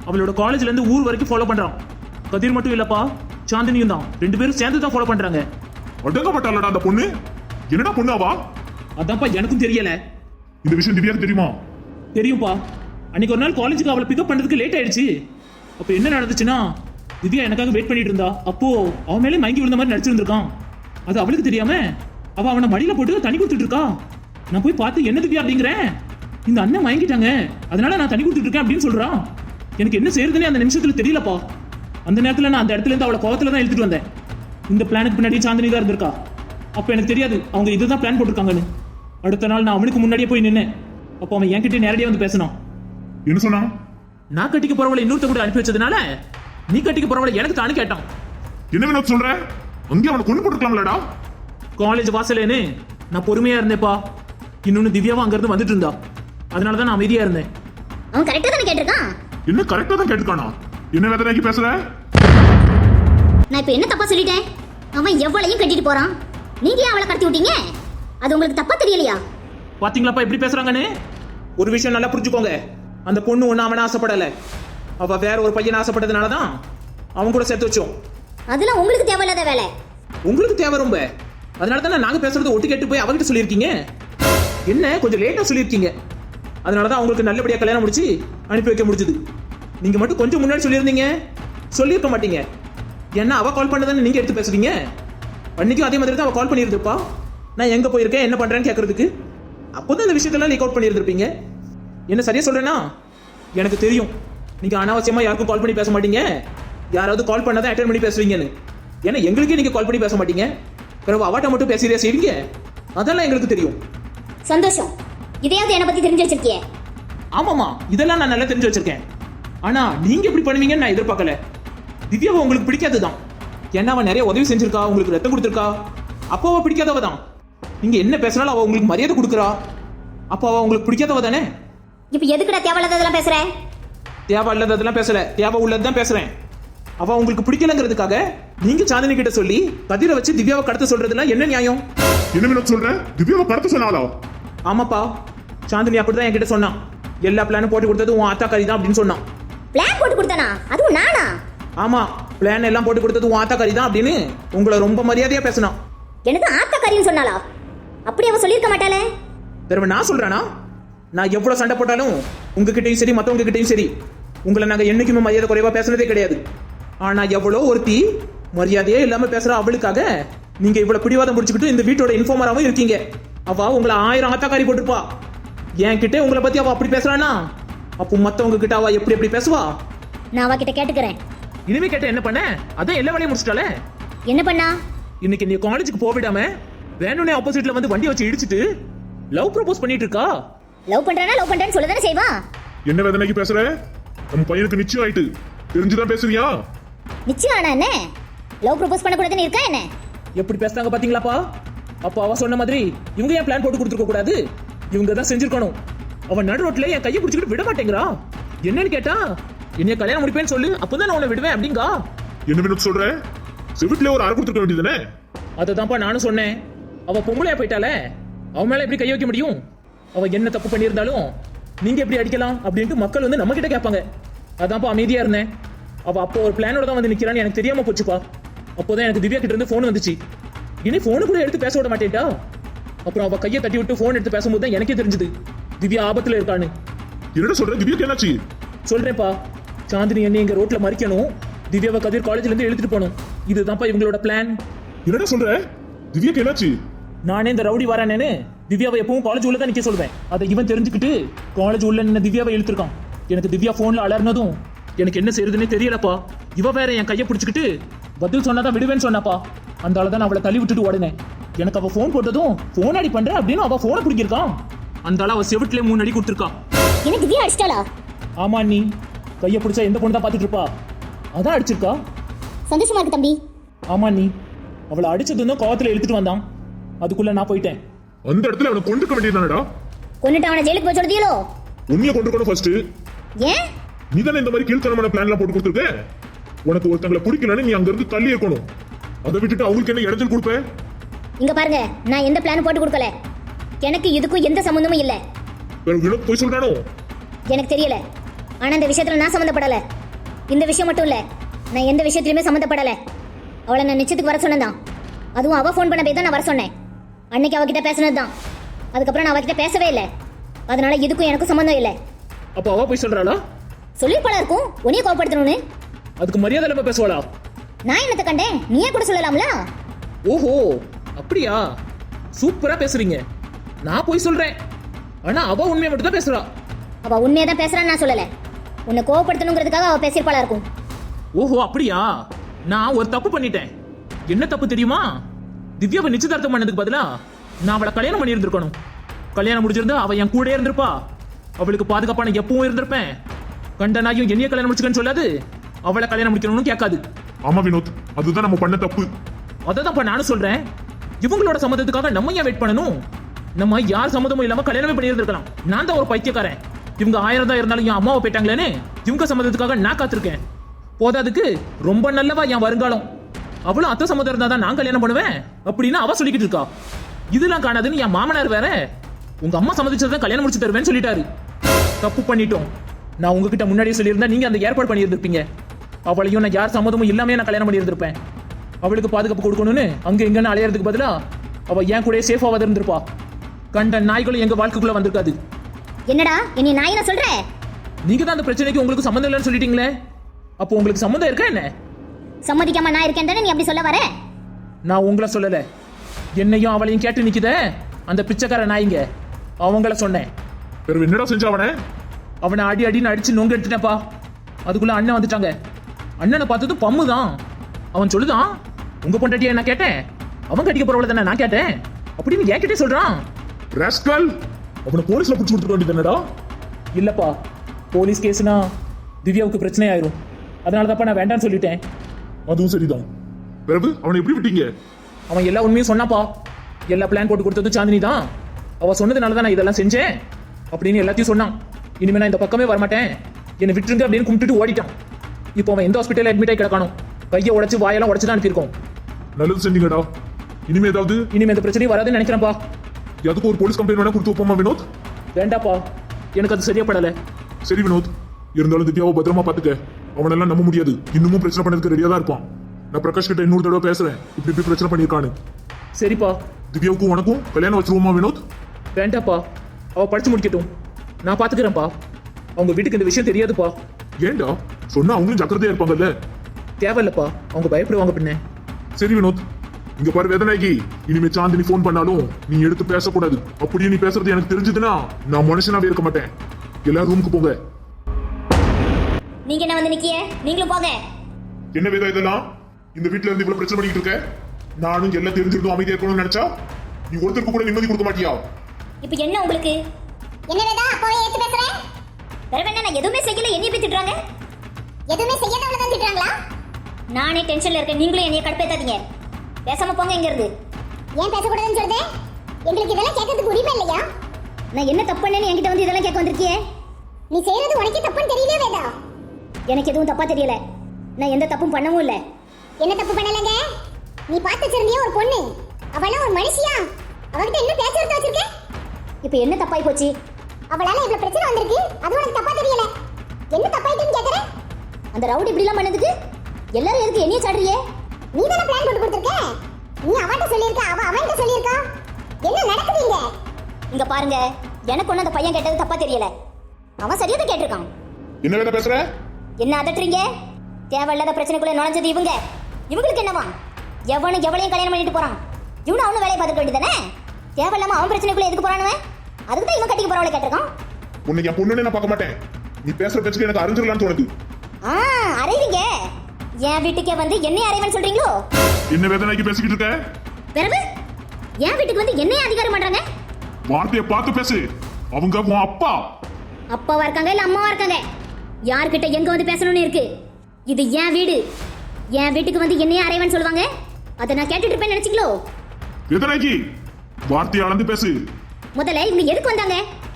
S2: அவளோட காலேஜ்ல இருந்து ஊர் வரைக்கும் ஃபாலோ பண்றான். கதிர் மட்டும் இல்லப்பா, சாந்தினியும் தான். ரெண்டு பேரும் சேர்ந்து தான் ஃபாலோ பண்றாங்க.
S4: அடங்கப்பட்டாளடா அந்த பொண்ணு. என்னடா பொண்ணு அவா?
S2: அதான்ப்பா எனக்கும் தெரியல.
S4: இந்த விஷயம் திவ்யாக்கு தெரியுமா?
S2: தெரியும்பா. அன்னைக்கு ஒரு நாள் காலேஜுக்கு அவளை பிக்கப் பண்றதுக்கு லேட் ஆயிடுச்சு. அப்ப என்ன நடந்துச்சுன்னா, திவ்யா எனக்காக வெயிட் பண்ணிட்டு இருந்தா. அப்போ அவன் மேலே மயங்கி விழுந்த மாதிரி நடிச்சிருந்திருக்கான். அது அவளுக்கு தெரியாம அவ அவனை மடியில போட்டு தண்ணி கொடுத்துட்டு இருக்கா. நான் போய் பார்த்து என்ன திவ்யா அப்படிங்கிறேன். இந்த அண்ணன் மயங்கிட்டாங்க, அதனால நான் தண்ணி கொடுத்துட்டு இருக்கேன் அப்படின்னு சொல்றான். எனக்கு என்ன செய்யறதுன்னே அந்த நிமிஷத்துல தெரியலப்பா. அந்த நேரத்துல நான் அந்த இடத்துல இருந்து அவளை கோவத்துல தான் இழுத்துட்டு வந்தேன். இந்த பிளானுக்கு பின்னாடி சாந்தினி தான் இருந்திருக்கா. அப்ப எனக்கு தெரியாது அவங்க இதுதான் பிளான் போட்டிருக்காங்கன்னு. அடுத்த நாள் நான் அவனுக்கு முன்னாடியே போய் நின்னேன். அப்போ அவன் என்கிட்ட நேரடியாக வந்து பேசினான்.
S4: என்ன சொன்னா?
S2: நான் கட்டிக்க போறவளை இன்னொருத்த கூட அனுப்பி வச்சதுனால நீ கட்டிக்க போறவளை எனக்கு தானே கேட்டான்.
S4: என்ன வினோத் சொல்ற? அங்கே அவனை கொண்டு போட்டுக்கலாம்லடா.
S2: காலேஜ் வாசலேன்னு நான் பொறுமையா இருந்தேப்பா. இன்னொன்னு திவ்யாவும் அங்க இருந்து வந்துட்டு இருந்தா. அதனாலதான் நான் அமைதியா இருந்தேன்.
S1: அவன் கரெக்டா தானே கேட்டிருக்கான்.
S4: என்ன கரெக்டா தான் கேட்டுக்கானா? என்ன வேதனைக்கு பேசுற?
S1: நான் இப்ப என்ன தப்பா சொல்லிட்டேன்? அவன் எவ்வளையும் கட்டிட்டு போறான், நீங்க ஏன் அவளை கடத்தி விட்டீங்க? அது உங்களுக்கு தப்பா தெரியலையா?
S2: பாத்தீங்களாப்பா எப்படி பேசுறாங்கன்னு. ஒரு விஷயம் நல்லா புரிஞ்சுக்கோங்க. அந்த பொண்ணு ஒண்ணு அவனை ஆசைப்படல. அவ வேற ஒரு பையனை ஆசைப்பட்டதுனாலதான் அவன் கூட சேர்த்து வச்சோம்.
S1: அதெல்லாம் உங்களுக்கு தேவையில்லாத வேலை.
S2: உங்களுக்கு தேவை ரொம்ப. அதனால தானே நாங்க பேசுறது ஒட்டு கேட்டு போய் அவகிட்ட சொல்லியிருக்கீங்க. என்ன கொஞ்சம் லேட்டா சொல்லியிருக்கீங்க. அதனாலதான் அவங்களுக்கு நல்லபடியா கல்யாணம் முடிச்சு அனுப்பி வைக்க முடிஞ்சது. நீங்க மட்டும் கொஞ்சம் முன்னாடி சொல்லியிருந்தீங்க, சொல்லியிருக்க மாட்டீங்க. ஏன்னா அவ கால் பண்ணதானே நீங்க எடுத்து பேசுறீங்க. அன்னைக்கும் அதே மாதிரி தான் அவ கால் பண்ணியிருந்துப்பா. நான் எங்க போயிருக்கேன் என்ன பண்றேன்னு கேட்கறதுக்கு. அப்போதான் இந்த விஷயத்தெல்லாம் லீக் அவுட் பண்ணியிருந்திருப்பீங்க. என்ன சரியா சொல்றேன்னா? எனக்கு தெரியும் நீங்க அனாவசியமா யாருக்கும் கால் பண்ணி பேச மாட்டீங்க. யாராவது கால் பண்ணாதான் அட்டென்ட் பண்ணி பேசுவீங்கன்னு. ஏன்னா எங்களுக்கே நீங்க கால் பண்ணி பேச மாட்டீங்க. பிறகு அவாட்ட மட்டும் பேசுறீங்க செய்வீங்க. அதெல்லாம் எங்களுக்கு தெரியும்.
S1: சந்தோஷம். இதையாவது என்னை பத்தி தெரிஞ்சு வச்சிருக்கியே.
S2: ஆமாமா, இதெல்லாம் நான் நல்லா தெரிஞ்சு வச்சிருக்கேன். ஆனா நீங்க இப்படி பண்ணுவீங்கன்னு நான் எதிர்பார்க்கல. திவ்யாவை உங்களுக்கு பிடிக்காதுதான். ஏன்னா அவன் நிறைய உதவி செஞ்சிருக்கா, உங்களுக்கு ரத்தம் கொடுத்துருக்கா. அப்போ அவ பிடிக்காதவ தான். நீங்க என்ன பேசினாலும் அவ உங்களுக்கு மரியாதை கொடுக்குறா. அப்போ அவ உங்களுக்கு பிடிக்காதவ தானே.
S1: இப்ப எதுக்குடா தேவையில்லாததெல்லாம் பேசுற?
S2: தேவை இல்லாததெல்லாம் பேசல, தேவை உள்ளதுதான் பேசுறேன். அவ உங்களுக்கு பிடிக்கலங்கிறதுக்காக நீங்க சாந்தினி கிட்ட சொல்லி கதிரை வச்சு திவ்யாவை கடத்த சொல்றதுலாம் என்ன நியாயம்?
S4: என்ன வினோத் சொல்ற? திவ்யாவை கடத்த சொன்னாலா?
S2: ஆமாப்பா, சாந்தினி அப்படிதான் என்கிட்ட சொன்னான். எல்லா பிளானும் போட்டு கொடுத்தது உன் ஆத்தா கறி தான் அப்படின்னு சொன்னான்.
S1: பிளான் போட்டு கொடுத்தானா? அதுவும் நானா?
S2: ஆமா, பிளான் எல்லாம் போட்டு கொடுத்தது உன் ஆத்தா கறி தான் அப்படின்னு உங்களை ரொம்ப மரியாதையா பேசினான்.
S1: எனக்கு ஆத்த காரியம் சொன்னாலா? அப்படி அவ சொல்லியிருக்க மாட்டாளே.
S2: திரும்ப நான் சொல்றேனா? நான் எவ்வளவு சண்டை போட்டாலும் உங்ககிட்டயும் சரி மத்தவங்க கிட்டயும் சரி உங்களை நாங்க என்னைக்குமே மரியாதை குறைவா பேசுனதே கிடையாது. ஆனா எவ்வளோ ஒருத்தி மரியாதையே இல்லாம பேசுற அவளுக்காக நீங்க இவ்வளவு பிடிவாதம் பிடிச்சிக்கிட்டு இந்த வீட்டோட இன்ஃபார்மராவும் இருக்கீங்க. அவ உங்களை ஆயிரம் ஆத்தாக்காரி போட்டிருப்பா. என் கிட்ட உங்களை பத்தி அவ அப்படி பேசுறானா, அப்போ மத்தவங்க கிட்ட அவ எப்படி எப்படி பேசுவா?
S1: நான் அவகிட்ட கேட்டுக்கிறேன்.
S2: இனிமே கேட்ட என்ன பண்ண? அதான் எல்லா வேலையும் முடிச்சிட்டாலே.
S1: என்ன பண்ணா?
S2: இன்னைக்கு நீ காலேஜுக்கு போக விடாம வேணும்னே ஆப்போசிட்ல வந்து வண்டி வச்சு இடிச்சிட்டு லவ் ப்ரோபோஸ் பண்ணிட்டு இருக்கா.
S1: லவ் பண்றானா லவ் பண்றேன்னு சொல்லதானே செய்வா.
S4: என்ன வேதனைக்கு பேசுற? நம்ம பையனுக்கு நிச்சயம் ஆயிட்டு தெரிஞ்சுதான் பேசுறியா?
S1: நிச்சயம் ஆனா என்ன? லவ் ப்ரோபோஸ் பண்ண கூடாதுன்னு இருக்கா என்ன?
S2: எப்படி பேசுறாங்க பாத்தீங்களாப்பா? அப்ப அவ சொன்ன மாதிரி இவங்க ஏன் பிளான் போட்டு கொடுத்துருக்க கூடாது? இவங்க தான் செஞ்சிருக்கணும். அவன் நடு ரோட்ல என் கையை பிடிச்சிக்கிட்டு விட மாட்டேங்கிறா. என்னன்னு கேட்டா, என்னைய கல்யாணம் முடிப்பேன்னு சொல்லு, அப்பதான் நான் உன்னை விடுவேன் அப்படிங்கா.
S4: என்ன வினோத் சொல்ற? செவிட்ல ஒரு அரை கொடுத்துருக்க வேண்டியதானே?
S2: அதை தான்ப்பா நானும் சொன்னேன். அவ பொம்பளையா போயிட்டாலே, அவன் மேல எப்படி கை வைக்க முடியும்? அவ என்ன தப்பு பண்ணியிருந்தாலும் நீங்க எப்படி அடிக்கலாம் அப்படின்ட்டு மக்கள் வந்து நம்ம கிட்ட கேட்பாங்க. அதான்ப்பா அமைதியா இருந்தேன். அவ அப்போ ஒரு பிளானோட தான் வந்து நிக்கிறான்னு எனக்கு தெரியாம போச்சுப்பா. அப்போதான் எனக்கு திவ்யா கிட்ட இருந்து போன் வந்துச்சு. இனி போனு கூட எடுத்து பேச விட மாட்டேன்டா. அப்புறம் அவ கையை தட்டி விட்டு போன் எடுத்து பேசும்போது தான் எனக்கே தெரிஞ்சது திவ்யா ஆபத்துல இருக்கான்னு.
S4: என்னடா சொல்ற? திவ்யாக்கு என்னாச்சு?
S2: சொல்றேன்ப்பா, சாந்தினி என்ன எங்க ரோட்ல மறிக்கணும், திவ்யாவை கதிர் காலேஜ்ல இருந்து எடுத்துட்டு போகணும். இதுதான்ப்பா இவங்களோட பிளான்.
S4: என்னடா சொல்ற? திவ்யாக்கு என்னாச்சு?
S2: நானே இந்த ரவுடி வரானேன்னு திவ்யாவை எப்பவும் காலேஜ் உள்ள தான் நிக்க சொல்வேன். அதை இவன் தெரிஞ்சுக்கிட்டு காலேஜ் உள்ள நின்ன திவ்யாவை இழுத்துருக்கான். எனக்கு திவ்யா போன்ல அலர்னதும் எனக்கு என்ன செய்யறதுன்னே தெரியலப்பா. இவ வேற என் கையை பிடிச்சிக்கிட்டு பதில் சொன்னாதான் விடுவேன்னு சொன்னாப்பா. அந்த ஆளு தான் அவளை தள்ளி விட்டுட்டு உடனே எனக்கு அவ போன் போட்டதும் போன் அடி பண்ற அப்படின்னு அவ போனை பிடிக்கிருக்கான். அந்த ஆளு அவ செவிட்ல மூணு அடி கொடுத்துருக்கான்.
S1: என்ன திவ்யா அடிச்சிட்டாளா?
S2: ஆமா நீ கையை பிடிச்சா எந்த பொண்ணு தான் பாத்துட்டு இருப்பா, அதான் அடிச்சிருக்கா.
S1: சந்தோஷமா இருக்கு தம்பி.
S2: ஆமா நீ அவளை அடிச்சதும் தான் கோவத்துல இழுத்துட்டு வந்தான். அதுக்குள்ள நான் போயிட்டேன்.
S4: அந்த இடத்துல அவனை கொண்டுக்க வேண்டியதானடா?
S1: கொன்னுட்டு அவனை ஜெயிலுக்கு போய் சொல்றீங்களோ?
S4: உண்மையை கொண்டுக்கணும் ஃபர்ஸ்ட்.
S1: ஏன்?
S4: நீ தானே இந்த மாதிரி கீழ்த்தனமான பிளான்லாம் போட்டு கொடுத்துருக்க. உனக்கு ஒருத்தங்களை பிடிக்கலன்னு நீ அங்க இருந்து தள்ளி இருக்கணும். அதை விட்டுட்டு அவங்களுக்கு என்ன இடைஞ்சல் கொடுப்ப?
S1: இங்க பாருங்க, நான் எந்த பிளானும் போட்டு கொடுக்கல. எனக்கு இதுக்கும் எந்த சம்பந்தமும் இல்ல.
S4: வேற வினோத் போய் சொல்றானோ?
S1: எனக்கு தெரியல. ஆனா இந்த விஷயத்துல நான் சம்பந்தப்படல. இந்த விஷயம் மட்டும் இல்ல, நான் எந்த விஷயத்திலுமே சம்மந்தப்படல. அவளை நான் நிச்சயத்துக்கு வர சொன்னதான். அதுவும் அவ ஃபோன் பண்ண போய் தான் நான் வர சொன்னேன். அன்னைக்கு அவகிட்ட பேசினதுதான். அதுக்கப்புறம் நான் அவகிட்ட பேசவே இல்லை. அதனால இதுக்கும் எனக்கும் சம்மந்தம் இல்லை.
S2: அப்ப அவ போய் சொல்றாளா?
S1: சொல்லிருப்பாளா இருக்கும் உன்னைய கோவப்படுத்தணும்னு.
S2: அதுக்கு மரியாதை இல்லாம பேசுவாளா?
S1: நான் என்னத்த கண்டேன், நீயே கூட சொல்லலாம்ல.
S2: ஓஹோ, அப்படியா? சூப்பரா பேசுறீங்க. நான் போய் சொல்றேன், ஆனா அவ உண்மையை மட்டும் தான் பேசுறா.
S1: அவ உண்மையை தான் பேசுறான்னு நான் சொல்லல. உன்னை கோவப்படுத்தணுங்கிறதுக்காக அவ பேசியிருப்பாளா இருக்கும்.
S2: ஓஹோ, அப்படியா? நான் ஒரு தப்பு பண்ணிட்டேன். என்ன தப்பு தெரியுமா? திவ்யாவை நிச்சயதார்த்தம் பண்ணதுக்கு பதிலா நான் அவளை கல்யாணம் பண்ணி இருந்திருக்கணும். கல்யாணம் முடிஞ்சிருந்தா அவ என் கூட இருந்திருப்பா. அவளுக்கு பாதுகாப்பான எப்பவும் இருந்திருப்பேன். கண்ட நாயும் என்னைய கல்யாணம் முடிச்சுக்கன்னு சொல்லாது, அவளை கல்யாணம் முடிக்கணும்னு கேட்காது.
S4: ஆமா வினோத், அதுதான் நம்ம பண்ண தப்பு.
S2: அதான் நானும் சொல்றேன். இவங்களோட சம்மதத்துக்காக நம்ம ஏன் வெயிட் பண்ணணும்? நம்ம யார் சம்மதமும் இல்லாம கல்யாணமே பண்ணி இருந்திருக்கலாம். நான் தான் ஒரு பைத்தியக்காரன். இவங்க ஆயிரம் தான் இருந்தாலும் என் அம்மாவை போயிட்டாங்களேன்னு இவங்க சம்மதத்துக்காக நான் காத்திருக்கேன். போதாதுக்கு ரொம்ப நல்லவா என் வருங்காலம். அவளும் அத்தை சம்மதம் இருந்தா தான் நான் கல்யாணம் பண்ணுவேன் அப்படின்னு அவ சொல்லிக்கிட்டு இருக்கா. இதெல்லாம் காணாதுன்னு என் மாமனார் வேற உங்க அம்மா சம்மதிச்சதான் கல்யாணம் முடிச்சு தருவேன்னு சொல்லிட்டாரு. தப்பு பண்ணிட்டோம். நான் உங்ககிட்ட முன்னாடியே சொல்லியிருந்தா நீங்க அந்த ஏற்பாடு பண்ணி இருந்திருப்பீங்க. அவளையும் நான் யார் சம்மதமும் இல்லாமே நான் கல்யாணம் பண்ணி இருந்திருப்பேன். அவளுக்கு பாதுகாப்பு கொடுக்கணும்னு அங்க எங்கன்னு அலையறதுக்கு பதிலா அவ என் கூட சேஃபா இருந்திருப்பா. கண்ட நாய்களும் எங்க வாழ்க்கைக்குள்ள வந்திருக்காது.
S1: என்னடா என்னை நாயின சொல்ற?
S2: நீங்க தான் அந்த பிரச்சனைக்கு உங்களுக்கு சம்மந்தம் இல்லைன்னு சொல்லிட்டீங்களே. அப்போ உங்களுக்கு சம்மந்தம் இருக்கா என்ன?
S1: சம்மதிக்காம நான் இருக்கேன் தானே நீ அப்படி சொல்ல வர?
S2: நான் உங்களை சொல்லல, என்னையும் அவளையும் கேட்டு நிக்குதே அந்த பிச்சைக்கார நாய்ங்க, அவங்கள சொன்னேன்.
S4: வேற என்னடா செஞ்ச அவனை?
S2: அவனை அடி அடின்னு அடிச்சு நொங்க எடுத்துட்டேன்ப்பா. அதுக்குள்ள அண்ணன் வந்துட்டாங்க. அண்ணனை பார்த்தது பம்மு தான். அவன் சொல்லுதான், உங்க பொண்டாட்டியா நான் கேட்டேன், அவன் கட்டிக்க போறவள தானே நான் கேட்டேன் அப்படின்னு என்கிட்டே சொல்றான்.
S4: ராஸ்கல், அவனை போலீஸ்ல புடிச்சு கொடுத்துக்க வேண்டியதுனடா.
S2: இல்லப்பா, போலீஸ் கேஸ்னா திவ்யாவுக்கு பிரச்சனை ஆயிரும். அதனால தான்ப்பா நான் வேண்டாம்னு சொல்லிட்டேன்.
S4: அதுவும் சரிதான். பிறகு அவனை எப்படி விட்டீங்க?
S2: அவன் எல்லா உண்மையும் சொன்னாப்பா. எல்லா பிளான் போட்டு கொடுத்தது சாந்தினி தான். அவ சொன்னதுனால தான் நான் இதெல்லாம் செஞ்சேன் அப்படின்னு எல்லாத்தையும் சொன்னான். இனிமே நான் இந்த பக்கமே வரமாட்டேன், என்னை விட்டுருங்க அப்படின்னு கும்பிட்டுட்டு ஓடிட்டான். இப்போ அவன் எந்த ஹாஸ்பிட்டல் அட்மிட் ஆகி கிடக்கானோ. கையை உடைச்சு வாயெல்லாம் உடைச்சு தான் அனுப்பியிருக்கோம்.
S4: நல்லது செஞ்சீங்கடா. இனிமே ஏதாவது
S2: இனிமே இந்த பிரச்சனையும் வராதுன்னு நினைக்கிறேன்ப்பா.
S4: எதுக்கு ஒரு போலீஸ் கம்ப்ளைண்ட் வேணா கொடுத்து வைப்போமா வினோத்?
S2: வேண்டாப்பா, எனக்கு அது சரியாப்படலை.
S4: சரி வினோத், இருந்தாலும் திவ்யாவை பத்திரமா பாத்துக்க. அவனெல்லாம் நம்ப முடியாது, இன்னமும் பிரச்சனை பண்ணதுக்கு ரெடியா தான் இருப்பான். நான் பிரகாஷ் கிட்ட இன்னொரு தடவை பேசுறேன், இப்படி இப்படி பிரச்சனை பண்ணியிருக்கான்னு.
S2: சரிப்பா.
S4: திவ்யாவுக்கும் உனக்கும் கல்யாணம் வச்சிருவோமா வினோத்?
S2: வேண்டாப்பா, அவ படிச்சு முடிக்கட்டும், நான் பாத்துக்கிறேன்ப்பா. அவங்க வீட்டுக்கு இந்த விஷயம் தெரியாதுப்பா.
S4: ஏண்டா சொன்னா அவங்களும் ஜாக்கிரதையா இருப்பாங்கல்ல.
S2: தேவையில்லப்பா, அவங்க பயப்படுவாங்க பின்ன.
S4: சரி வினோத், இங்க பாரு வேதனைக்கு, இனிமே சாந்தினி போன் பண்ணாலும் நீ எடுத்து பேசக்கூடாது. அப்படியே நீ பேசுறது எனக்கு தெரிஞ்சதுன்னா நான் மனுஷனாவே இருக்க மாட்டேன். எல்லாரும் ரூமுக்கு போங்க.
S1: நீங்க என்ன வந்து நிக்கிய? நீங்களும் போங்க.
S4: என்ன வேதா இதெல்லாம்? இந்த வீட்டுல இருந்து இவ்வளவு பிரச்சனை பண்ணிட்டு இருக்க. நானும் எல்லாம் தெரிஞ்சிருந்தும் அமைதியா இருக்கணும்னு நினைச்சா நீ ஒருத்தருக்கு கூட நிம்மதி கொடுக்க மாட்டியா?
S1: இப்போ என்ன உங்களுக்கு? என்ன வேதா அப்பவே ஏத்து பேசுறேன்? வேற என்ன, நான் எதுவுமே செய்யல, என்னைய போய் திட்டுறாங்க. எதுவுமே செய்யாதவள தான் திட்டுறாங்களா? நானே டென்ஷன்ல இருக்கேன், நீங்களும் என்னைய கடுப்பேத்தாதீங்க. பேசாம போங்க இங்க இருந்து. ஏன் பேசக்கூடாதுன்னு சொல்றதே? எங்களுக்கு இதெல்லாம் கேட்கறதுக்கு உரிமை இல்லையா? நான் என்ன தப்பு பண்ணேன்னு என்கிட்ட வந்து இதெல்லாம் கேட்க வந்திருக்கியே? நீ செய்யறது உனக்கே தப்புன்னு தெரியல வேதா? எனக்கு எதுவும் தப்பா தெரியல, நான் எந்த தப்பும் பண்ணவும் இல்ல. என்ன தப்பு பண்ணலங்க? நீ பார்த்து வச்சிருந்திய ஒரு பொண்ணு, அவளா ஒரு மனுஷியா? அவகிட்ட என்ன பேச எடுத்து வச்சிருக்க? இப்போ என்ன தப்பாய் போச்சு? அவளால இவ்வளவு பிரச்சனை வந்திருக்கு, அது உனக்கு தப்பா தெரியல? என்ன தப்பாயிட்டுன்னு கேக்குற? அந்த ரவுடி இப்படி எல்லாம் பண்ணதுக்கு எல்லாரும் எதுக்கு என்னைய சாடுறியே? நீ தான பிளான் போட்டு கொடுத்திருக்க. நீ அவட்ட சொல்லிருக்க, அவ அவன்ட்ட சொல்லிருக்கா. என்ன நடக்குதுங்க? இங்க பாருங்க, எனக்கு ஒண்ணு அந்த பையன் கேட்டது தப்பா தெரியல, அவன் சரியா தான் கேட்டிருக்கான்.
S4: என்ன வேதா பேசுற?
S1: என்ன அதட்டுறீங்க? தேவையில்லாத பிரச்சனைக்குள்ள நுழைஞ்சது இவங்க. இவங்களுக்கு என்னவா? எவனும் எவளையும் கல்யாணம் பண்ணிட்டு போறான், இவனும் அவனும் வேலையை பார்த்துக்க வேண்டியதானே? தேவையில்லாம அவன் பிரச்சனைக்குள்ள எதுக்கு போறானுவன்? அதுக்கு தான் இவன் கட்டிக்க போறவளை கேட்டிருக்கான்.
S4: உன்னை என் பொண்ணுன்னு நான் பார்க்க மாட்டேன். நீ பேசுற பேச்சுக்கு எனக்கு அறிஞ்சிடலான்னு தோணுது.
S1: ஆ, அறைவீங்க. என் வீட்டுக்கே வந்து என்னைய அறைவன் சொல்றீங்களோ?
S4: என்ன வேதனைக்கு பேசிக்கிட்டு இருக்க?
S1: பிறகு என் வீட்டுக்கு வந்து என்னைய அதிகாரம் பண்றாங்க?
S4: வார்த்தையை பார்த்து பேசு. அவங்க உன் அப்பா.
S1: அப்பாவா இருக்காங்க இல்ல அம்மாவா இருக்காங்க? யார்கிட்ட எங்க வந்து பேசணும்னு இருக்கு? இது என் வீடு. என் வீட்டுக்கு வந்து என்னைய அறைவன் சொல்லுவாங்க, அதை நான் கேட்டுட்டு இருப்பேன்னு நினைச்சீங்களோ?
S4: வேதனைக்கு வார்த்தையை அளந்து பேசு.
S1: முதல்ல இவங்க எதுக்கு வந்தாங்க?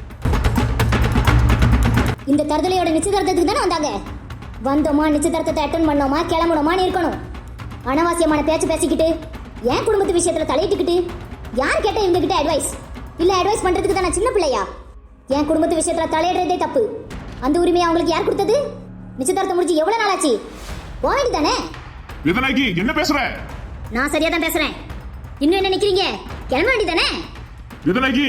S1: இந்த தருதலையோட நிச்சயதார்த்தத்துக்கு தானே வந்தாங்க. வந்தோமா, நிச்சயதார்த்தத்தை அட்டன் பண்ணோமா, கிளம்பணுமான்னு இருக்கணும். அனாவசியமான பேச்சு பேசிக்கிட்டு என் குடும்பத்து விஷயத்துல தலையிட்டுக்கிட்டு யார் கேட்ட இவங்க கிட்ட அட்வைஸ்? இல்ல அட்வைஸ் பண்றதுக்கு தான் நான் சின்ன பிள்ளையா? என் குடும்பத்து விஷயத்துல தலையிடுறதே தப்பு. அந்த உரிமையை அவங்களுக்கு யார் கொடுத்தது? நிச்சயதார்த்தம் முடிஞ்சு எவ்வளவு நாள் ஆச்சு? போக வேண்டியதானே?
S4: வேதநாயகி என்ன பேசுற?
S1: நான் சரியா தான் பேசுறேன். இன்னும் என்ன நிக்கிறீங்க? கிளம்ப வேண்டியதானே?
S4: வேதநாயகி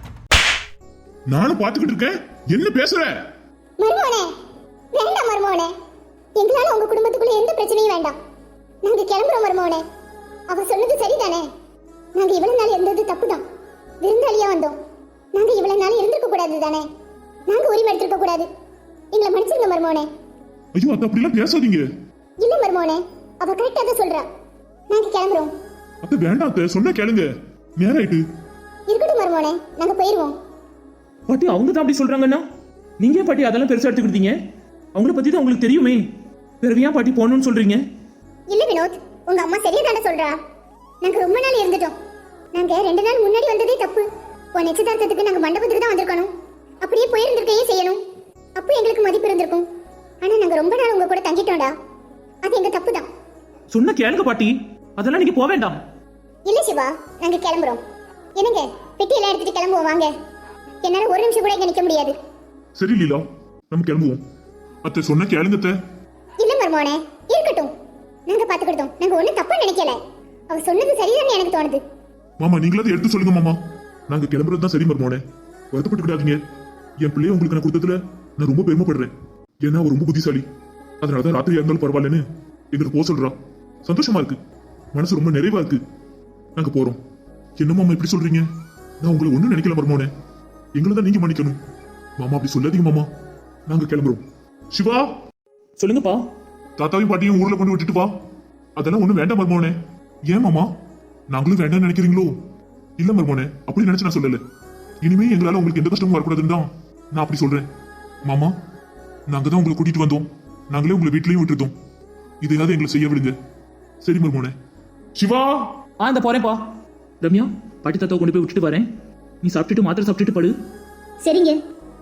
S4: நானும் பாத்துக்கிட்டு இருக்கேன், என்ன பேசுற?
S1: மருமோனே, வேண்டாம் மருமோனே. எங்களால உங்க குடும்பத்துக்குள்ள எந்த பிரச்சனையும் வேண்டாம். நாங்க கிளம்புறோம் மருமோனே. அவர் சொன்னது சரிதானே? நாங்க இவ்வளவு நாள் இருந்தது தப்புதான். விருந்தாளியா வந்தோம். நாங்க இவ்வளவு நாள் இருந்திருக்க கூடாது தானே? நாங்க உரிமை எடுத்திருக்க கூடாது. எங்களை மன்னிச்சிருங்க மருமோனே.
S4: ஐயோ அத்த அப்படிலாம் பேசாதீங்க.
S1: இல்ல மருமோனே, அவ கரெக்டா தான் சொல்றா. நாங்க கிளம்புறோம்.
S4: அத்த வேண்டாம் அத்த, சொன்ன கேளுங்க. நேராயிட்டு.
S1: இருக்கட்டும் மருமோனே, நாங்க போயிருவோம்.
S2: பாட்டி அவங்க தான் அப்படி சொல்றாங்கன்னா நீங்க ஏன் பாட்டி அதெல்லாம் பெருசா எடுத்துக்கிட்டீங்க? அவங்கள பத்தி தான் உங்களுக்கு தெரியுமே. பிறகு ஏன் பாட்டி போகணும்னு சொல்றீங்க?
S1: இல்ல வினோத், உங்க அம்மா சரியா தானே சொல்றா. நாங்க ரொம்ப நாள் இருந்துட்டோம். நாங்க ரெண்டு நாள் முன்னாடி வந்ததே தப்பு. உன் நிச்சயதார்த்தத்துக்கு நாங்க மண்டபத்துக்கு தான் வந்திருக்கணும். அப்படியே போயிருந்திருக்கையே செய்யணும். அப்போ எங்களுக்கு மதிப்பு இருந்திருக்கும். ஆனா நாங்க ரொம்ப நாள் உங்க கூட தங்கிட்டோம்டா. அது எங்க தப்பு தான்.
S2: சொன்ன கேளுங்க பாட்டி, அதெல்லாம் நீங்க போக வேண்டாம்.
S1: இல்ல சிவா, நாங்க கிளம்புறோம். என்னங்க, பெட்டி எல்லாம் எடுத்துட்டு கிளம்புவோம் வாங்க. என்னால ஒரு நிமிஷம் கூட இங்க நிக்க முடியாது.
S4: சரி லீலா, நம்ம கிளம்புவோம். அத்த சொன்ன கேளுங்க அத்த.
S1: இல்ல மருமோனே, இருக்கட்டும். நாங்க பாத்துக்கிட்டோம். நாங்க ஒண்ணும் தப்பா நினைக்கல. அவ சொன்னது சரிதான் எனக்கு தோணுது.
S4: மாமா நீங்களாவது எடுத்து சொல்லுங்க மாமா. நாங்க கிளம்புறது தான் சரி மருமோனே. வருத்தப்பட்டுக்கிடாதீங்க. என் பிள்ளைய உங்களுக்கு நான் கொடுத்ததுல நான் ரொம்ப பெருமைப்படுறேன். ஏன்னா அவர் ரொம்ப புத்திசாலி. அதனாலதான் ராத்திரியா இருந்தாலும் பரவாயில்லன்னு எங்களுக்கு போக சொல்றா. சந்தோஷமா இருக்கு, மனசு ரொம்ப நிறைவா இருக்கு. நாங்க போறோம். என்ன மாமா இப்படி சொல்றீங்க? நான் உங்களை ஒண்ணும் நினைக்கல மருமோனே. எங்களை தான் நீங்க மன்னிக்கணும். மாமா அப்படி சொல்லாதீங்க மாமா. நாங்க கிளம்புறோம். சிவா
S2: சொல்லுங்கப்பா.
S4: தாத்தாவையும் பாட்டியும் ஊர்ல கொண்டு விட்டுட்டு வா. அதெல்லாம் ஒண்ணும் வேண்டாம் மருமோனே. ஏன் மாமா, நாங்களும் வேண்டாம்னு நினைக்கிறீங்களோ? இல்ல மருமோனே, அப்படி நினைச்சு நான் சொல்லல. இனிமே எங்களால உங்களுக்கு எந்த கஷ்டமும் வரக்கூடாதுன்னு தான் நான் அப்படி சொல்றேன். மாமா, நாங்க தான் உங்களை கூட்டிட்டு வந்தோம். நாங்களே உங்களை வீட்லயும் விட்டுருந்தோம். இதையாவது எங்களை செய்ய விடுங்க. சரி மருமோனே. சிவா
S2: ஆ இந்த போறேன்ப்பா. ரம்யா, பாட்டி தாத்தாவை கொண்டு போய் விட்டுட்டு வரேன். நீ சாப்பிட்டுட்டு மாத்திரை சாப்பிட்டுட்டு படு.
S1: சரிங்க.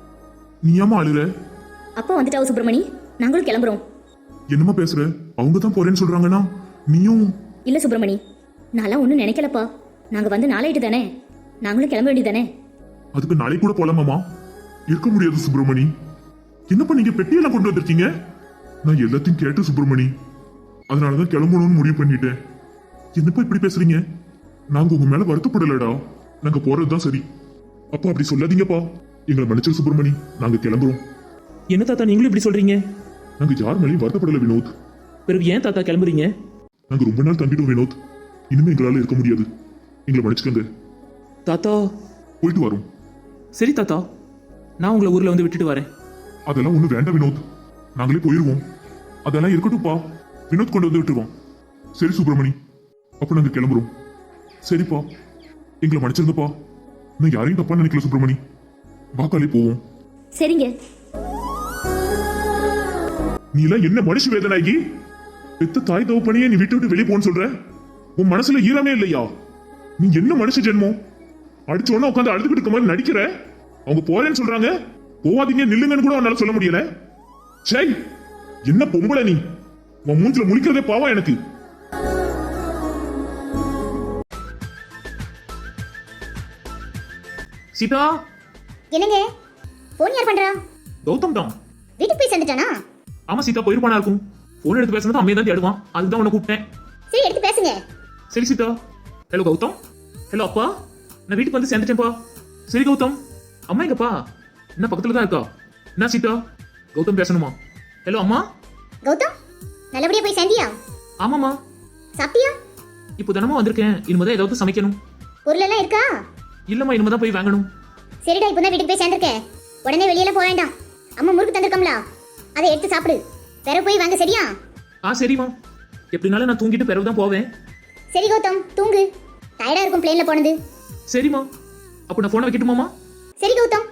S4: நீ ஏமா அழுற?
S1: அப்பா வந்துட்டாவு சுப்பிரமணி. நாங்களும் கிளம்புறோம்.
S4: என்னமா பேசுற? அவங்க தான் போறேன்னு சொல்றாங்கன்னா நீயும்?
S1: இல்ல சுப்பிரமணி, நான்லாம் ஒண்ணும் நினைக்கலப்பா. நாங்க வந்து நாளைட்டு தானே, நாங்களும் கிளம்ப வேண்டியதானே.
S4: அதுக்கு நாளை கூட போலாமாமா? இருக்க முடியாது சுப்பிரமணி. என்னப்பா நீங்க பெட்டியெல்லாம் கொண்டு வந்திருக்கீங்க? நான் எல்லாத்தையும் கேட்டு சுப்பிரமணி, அதனாலதான் கிளம்பணும்னு முடிவு பண்ணிட்டேன். என்னப்பா இப்படி பேசுறீங்க? நாங்க உங்க மேல வருத்தப்படலடா. நாங்க போறதுதான் சரி. அப்பா அப்படி சொல்லாதீங்கப்பா. எங்களை மன்னிச்சு சுப்பிரமணி, நாங்க கிளம்புறோம்.
S2: என்ன தாத்தா நீங்களும் இப்படி சொல்றீங்க?
S4: நாங்க யார் மேலேயும் வருத்தப்படல வினோத்.
S2: பிறகு ஏன் தாத்தா கிளம்புறீங்க?
S4: நாங்க ரொம்ப நாள் தங்கிட்டோம் வினோத். இனிமே எங்களால இருக்க முடியாது. எங்களை மன்னிச்சுக்கங்க.
S2: தாத்தா
S4: போயிட்டு வரோம்.
S2: சரி தாத்தா, நான் உங்களை ஊர்ல வந்து விட்டுட்டு வரேன்.
S4: அதெல்லாம் ஒண்ணு வேண்டாம் வினோத், நாங்களே போயிருவோம். அதெல்லாம் இருக்கட்டும்ப்பா, வினோத் கொண்டு வந்து விட்டுருவோம். சரி சுப்பிரமணி, அப்ப நாங்க கிளம்புறோம். சரிப்பா, எங்களை மன்னிச்சிருங்கப்பா. நான் யாரையும் தப்பா நினைக்கல சுப்பிரமணி. வாக்காளி போவோம்.
S1: சரிங்க.
S4: நீ எல்லாம் என்ன மனுஷ வேதனாகி? பெத்த தாய் தவப்பனையே நீ விட்டு விட்டு வெளியே போன்னு சொல்ற? உன் மனசுல ஈரமே இல்லையா? நீ என்ன மனுஷ ஜென்மம்? அடிச்ச உடனே உட்காந்து அழுதுகிட்டு இருக்க மாதிரி நடிக்கிற. அவங்க போறேன்னு சொல்றாங்க, போவாதீங்க நில்லுங்கன்னு கூட உன்னால சொல்ல முடியல. சை, என்ன பொம்பளை நீ? உன் மூஞ்சில முழிக்கிறதே பாவம் எனக்கு.
S2: சீதா.
S1: என்னங்க, போன் யார் பண்றா?
S2: கௌதம் தான்.
S1: வீட்டுக்கு போய் சேர்ந்துட்டானா?
S2: ஆமா சீதா, போயிருப்பானா இருக்கும். போன் எடுத்து பேசுனது அம்மையை தான் தேடுவான். அதுதான் உன்னை கூப்பிட்டேன்.
S1: சரி, எடுத்து பேசுங்க.
S2: சரி சீதா. ஹலோ கௌதம். ஹலோ அப்பா, நான் வீட்டுக்கு வந்து சேர்ந்துட்டேன்ப்பா. சரி கௌதம், அம்மா எங்கப்பா? என்ன பக்கத்துல தான் இருக்கா? என்ன சீதா, கௌதம் பேசணுமா? ஹலோ அம்மா.
S1: கௌதம், நல்லபடியா போய் சேர்ந்தியா?
S2: ஆமாம்மா.
S1: சாப்பிட்டியா?
S2: இப்போ தினமும் வந்திருக்கேன். இனிமேதான் ஏதாவது சமைக்கணும்.
S1: பொருள் எல்லாம் இருக்கா?
S2: இல்லம்மா, இனிமேதான் போய் வாங்கணும்.
S1: சரிடா, இப்போ தான் வீட்டுக்கு போய் சேர்ந்திருக்க. உடனே வெளியில போக வேண்டாம். அம்மா முறுக்கு தந்திருக்கோம்ல, அதை எடுத்து சாப்பிடு. பிறகு போய் வாங்க, சரியா?
S2: ஆ சரிம்மா. எப்படினாலும் நான் தூங்கிட்டு பிறகு தான் போவேன்.
S1: சரி கௌதம், தூங்கு. டயர்டா இருக்கும் பிளேன்ல போனது.
S2: சரிம்மா. அப்போ நான் போனை வைக்கட்டுமாமா?
S1: சரி கௌதம்.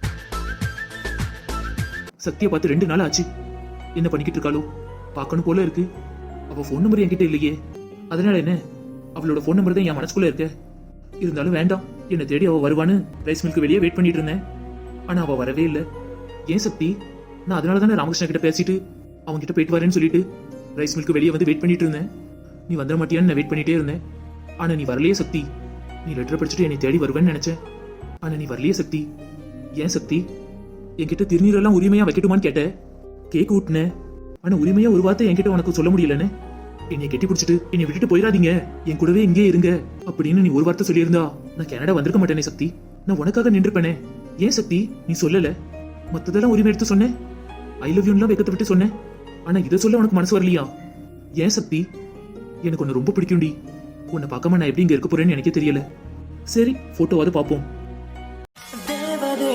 S2: சத்திய பார்த்து ரெண்டு நாள் ஆச்சு. என்ன பண்ணிக்கிட்டு இருக்காளோ பார்க்கணும் போல இருக்கு. அவ ஃபோன் நம்பர் என்கிட்ட இல்லையே. அதனால என்ன, அவளோட ஃபோன் நம்பர் தான் என் மனசுக்குள்ள இருக்க. இருந்தாலும் வேண்டாம், என்னை தேடி அவ வருவான்னு ரைஸ் மில்க்கு வெளியே வெயிட் பண்ணிட்டு இருந்தேன். ஆனா அவ வரவே இல்லை. ஏன் சக்தி? நான் அதனால தானே ராமகிருஷ்ணன் கிட்ட பேசிட்டு அவங்க கிட்ட போயிட்டு வரேன்னு சொல்லிட்டு ரைஸ் மில்க்கு வெளியே வந்து வெயிட் பண்ணிட்டு இருந்தேன். நீ வந்துட மாட்டியான்னு நான் வெயிட் பண்ணிட்டே இருந்தேன். ஆனா நீ வரலையே சக்தி. நீ லெட்டர் படிச்சுட்டு என்னை தேடி வருவேன்னு நினைச்சேன். ஆனா நீ வரலையே சக்தி. ஏன் சக்தி? என்கிட்ட திருநீரெல்லாம் உரிமையா வைக்கட்டுமான்னு கேட்ட. கேக் ஊட்டினேன். ஆனா உரிமையா ஒரு வார்த்தை என்கிட்ட உனக்கு சொல்ல முடியலன்னு. என்னை கெட்டி பிடிச்சிட்டு என்னை விட்டுட்டு போயிடாதீங்க, என் கூடவே இங்கே இருங்க அப்படின்னு நீ ஒரு வார்த்தை சொல்லியிருந்தா நான் கனடா வந்திருக்க மாட்டேனே சக்தி. நான் உனக்காக நின்றுப்பேனே. ஏன் சக்தி நீ சொல்லல? மத்ததெல்லாம் உரிமை எடுத்து சொன்னேன், ஐ லவ் யூன்லாம் வெக்கத்தை விட்டு சொன்னேன். ஆனா இதை சொல்ல உனக்கு மனசு வரலையா? ஏன் சக்தி? எனக்கு உன்னை ரொம்ப பிடிக்கும்டி. உன்னை பார்க்காம நான் எப்படி இங்க இருக்க போறேன்னு எனக்கே தெரியல. சரி போட்டோவாது பார்ப்போம்.
S5: தேவதை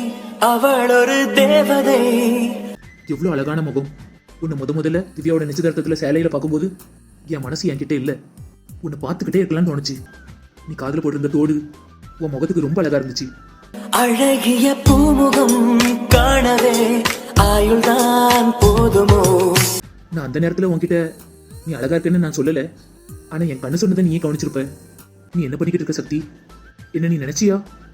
S5: அவள் ஒரு தேவதை.
S2: எவ்வளவு அழகான முகம். உன்னை முத முதல்ல திவ்யாவோட நிச்சயதார்த்தத்துல சேலையில பார்க்கும்போது என் மனசு என்கிட்ட இல்ல, உன்னை பார்த்துக்கிட்டே இருக்கலாம்னு தோணுச்சு. நீ காதுல போட்டிருந்த தோடு உன் முகத்துக்கு ரொம்ப அழகா இருந்துச்சு.
S5: அழகிய பூமுகம் காணவே ஆயுள்தான் போதுமோ.
S2: நான் அந்த நேரத்துல உன்கிட்ட நீ அழகா இருக்கேன்னு நான் சொல்லல, ஆனா என் கண்ணு சொன்னதை நீயே கவனிச்சிருப்ப. நீ என்ன பண்ணிக்கிட்டு இருக்க சக்தி? என்ன நீ நினைச்சியா?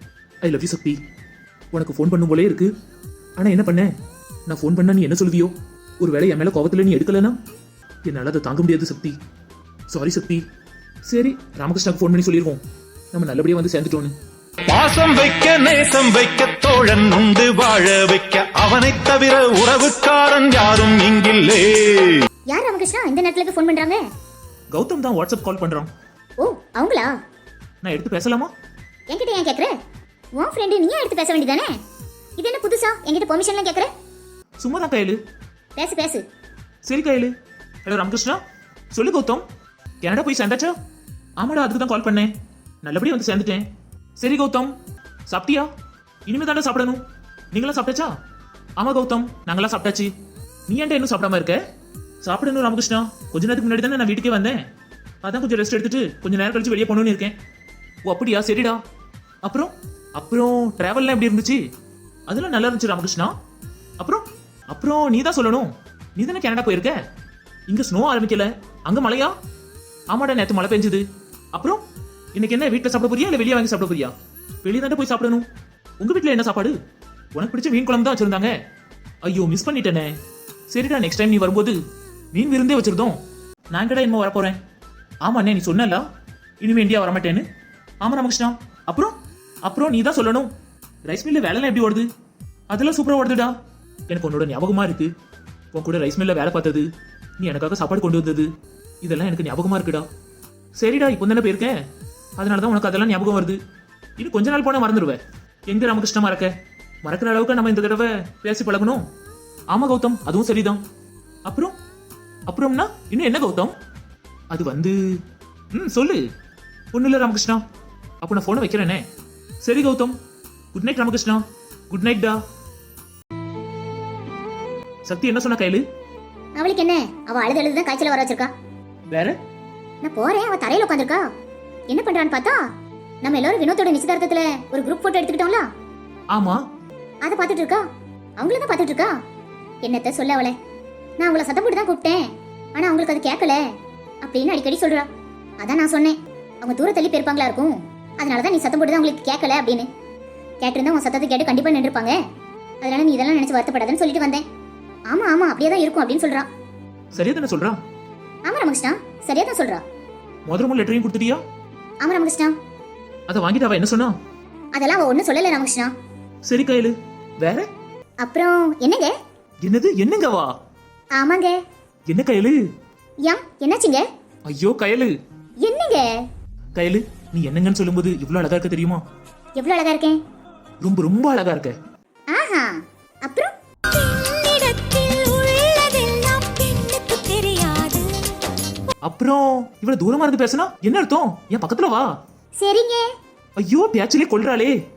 S2: I love you Shakti. உனக்கு ஃபோன் பண்ணும் போலே இருக்கு, ஆனா என்ன பண்ண? நான் ஃபோன் பண்ணா நீ என்ன சொல்வியோ? ஒரு வேளை என் மேல கோபத்துல நீ எடுக்கலனா என்னால அதை தாங்க முடியாது சக்தி. சாரி சக்தி. சரி ராமகிருஷ்ணாக்கு ஃபோன் பண்ணி சொல்லிடுவோம் நம்ம நல்லபடியா வந்து சேர்ந்துட்டோன்னு.
S6: பாசம் வைக்க நேசம் வைக்க தோழன் உண்டு வாழ வைக்க, அவனைத் தவிர உறவுக்காரன் யாரும் இங்கில்லே.
S1: யார் ராமகிருஷ்ணா இந்த நேரத்துல ஃபோன் பண்றாங்க?
S2: கௌதம் தான் வாட்ஸ்அப் கால் பண்றான்.
S1: ஓ அவங்களா?
S2: நான் எடுத்து பேசலாமா?
S1: என்கிட்ட ஏன் கேக்குற? உன் ஃப்ரெண்டு நீயே எடுத்து பேச வேண்டியதானே? இது என்ன புதுசா என்கிட்ட பெர்மிஷன்லாம் கேக்குற?
S2: சும்மா தான் கையலு.
S1: பேசு பேசு.
S2: சரி கையலு. ஹலோ ராமகிருஷ்ணா, சொல்லு கௌதம். கனடா போய் சேர்ந்தாச்சா? ஆமாடா, அதுக்கு தான் கால் பண்ணேன். நல்லபடியா வந்து சேர்ந்துட்டேன். சரி கௌதம், சாப்பிட்டியா? இனிமே தாண்டா சாப்பிடணும். நீங்களாம் சாப்பிட்டாச்சா? ஆமா கௌதம், நாங்களாம் சாப்பிட்டாச்சு. நீ ஏன்டா இன்னும் சாப்பிடாம இருக்க? சாப்பிடணும் ராமகிருஷ்ணா. கொஞ்ச நேரத்துக்கு முன்னாடி தானே நான் வீட்டுக்கே வந்தேன். அதான் கொஞ்சம் ரெஸ்ட் எடுத்துட்டு கொஞ்ச நேரம் கழிச்சு வெளியே போகணும்னு இருக்கேன். ஓ அப்படியா, சரிடா. அப்புறம் அப்புறம் டிராவல்லாம் எப்படி இருந்துச்சு? அதெல்லாம் நல்லா இருந்துச்சு ராமகிருஷ்ணா. அப்புறம் அப்புறம் நீ தான் சொல்லணும். நீ தானே கனடா போயிருக்க. இங்க ஸ்னோ ஆரம்பிக்கல, அங்க மழையா? ஆமாடா, நேற்று மழை பெஞ்சுது. அப்புறம் இன்னைக்கு என்ன வீட்டில் சாப்பிட போறியா இல்லை வெளியே வாங்கி சாப்பிட போறியா? வெளியே தானே போய் சாப்பிடணும். உங்க வீட்டில் என்ன சாப்பாடு? உனக்கு பிடிச்ச மீன் குழம்பு தான் வச்சிருந்தாங்க. ஐயோ மிஸ் பண்ணிட்டேனே. சரிடா, நெக்ஸ்ட் டைம் நீ வரும்போது மீன் விருந்தே வச்சிருந்தோம். நான் கடை இனிமே வரப்போறேன். ஆமா அண்ணே, நீ சொன்னல இனிமே இந்தியா வரமாட்டேன்னு. ஆமா ராமகிருஷ்ணா. அப்புறம் அப்புறம் நீ தான் சொல்லணும். ரைஸ் மில்ல வேலைலாம் எப்படி ஓடுது? அதெல்லாம் சூப்பரா ஓடுதுடா. எனக்கு உன்னோட ஞாபகமா இருக்கு. உன் கூட ரைஸ் மில்ல வேலை பார்த்தது, நீ எனக்காக சாப்பாடு கொண்டு வந்தது, இதெல்லாம் எனக்கு ஞாபகமா இருக்குடா. சரிடா, இப்போ தானே போயிருக்கேன், அதனால தான் உனக்கு அதெல்லாம் ஞாபகம் வருது. இன்னும் கொஞ்ச நாள் போனா மறந்துடுவேன். எங்க ராமகிருஷ்ணா மறக்க? மறக்கிற அளவுக்கு நம்ம இந்த தடவை பேசி பழகணும். ஆமா கௌதம், அதுவும் சரிதான். அப்புறம் அப்புறம்னா இன்னும் என்ன கௌதம்? அது வந்து ம் சொல்லு. ஒன்றும் இல்லை ராமகிருஷ்ணா. அப்போ நான் ஃபோனை வைக்கிறேனே. சரி Gautam, good night Ramakrishna. Good night டா. சக்தி என்ன சொன்ன கையில?
S1: அவளுக்கு என்ன, அவ அழுது அழுது தான் காய்ச்சல வர வச்சிருக்கா.
S2: வேற
S1: நான் போறேன், அவ தரையில உட்காந்துருக்கா. என்ன பண்றான்னு பார்த்தா, நம்ம எல்லாரும் வினோத்தோட நிச்சயதார்த்தத்துல ஒரு குரூப் போட்டோ எடுத்துக்கிட்டோம்ல,
S2: ஆமா
S1: அதை பார்த்துட்டு இருக்கா. அவங்கள தான் பார்த்துட்டு இருக்கா. என்னத்த சொல்ல அவளை, நான் அவங்கள சத்தம் போட்டு தான் கூப்பிட்டேன், ஆனா அவங்களுக்கு அது கேட்கல அப்படின்னு அடிக்கடி சொல்றா. அதான் நான் சொன்னேன், அவங்க தூர தள்ளி போயிருப்பாங்களா இருக்கும், அதனாலதான் நீ சத்தம் போட்டு தான் அவங்களுக்கு கேட்கல அப்படின்னு. கேட்டிருந்தா உன் சத்தத்தை கேட்டு கண்டிப்பா நின்றுப்பாங்க. அதனால நீ இதெல்லாம் நினைச்சு வருத்தப்படாதன்னு சொல்லிட்டு வந்தேன். ஆமா ஆமா அப்படியே தான் இருக்கும் அப்படின்னு சொல்றா.
S2: சரியா தானே சொல்றா?
S1: ஆமா ராமகிருஷ்ணா, சரியா தான் சொல்றா.
S2: முதல்ல லெட்டரையும் கொடுத்துட்டியா?
S1: ஆமா ராமகிருஷ்ணா.
S2: அதை வாங்கிட்டு அவ என்ன சொன்னா?
S1: அதெல்லாம் அவ ஒன்னும் சொல்லல ராமகிருஷ்ணா.
S2: சரி கையில. வேற
S1: அப்புறம் என்னங்க?
S2: என்னது என்னங்க வா?
S1: ஆமாங்க.
S2: என்ன கையில?
S1: யா என்னாச்சுங்க?
S2: ஐயோ கையில.
S1: என்னங்க?
S2: கையில நீ என்னங்கன்னு சொல்லும்போது இவ்வளவு அழகா இருக்க தெரியுமா?
S1: எவ்வளவு அழகா இருக்கேன்?
S2: ரொம்ப ரொம்ப அழகா இருக்க.
S1: ஆஹா. அப்புறம்
S2: அப்புறம் இவ்வளவு தூரமா இருந்து பேசினா என்ன அர்த்தம்? என் பக்கத்துல வா.
S1: சரிங்க.
S2: ஐயோ பேச்சிலே கொல்றாளே.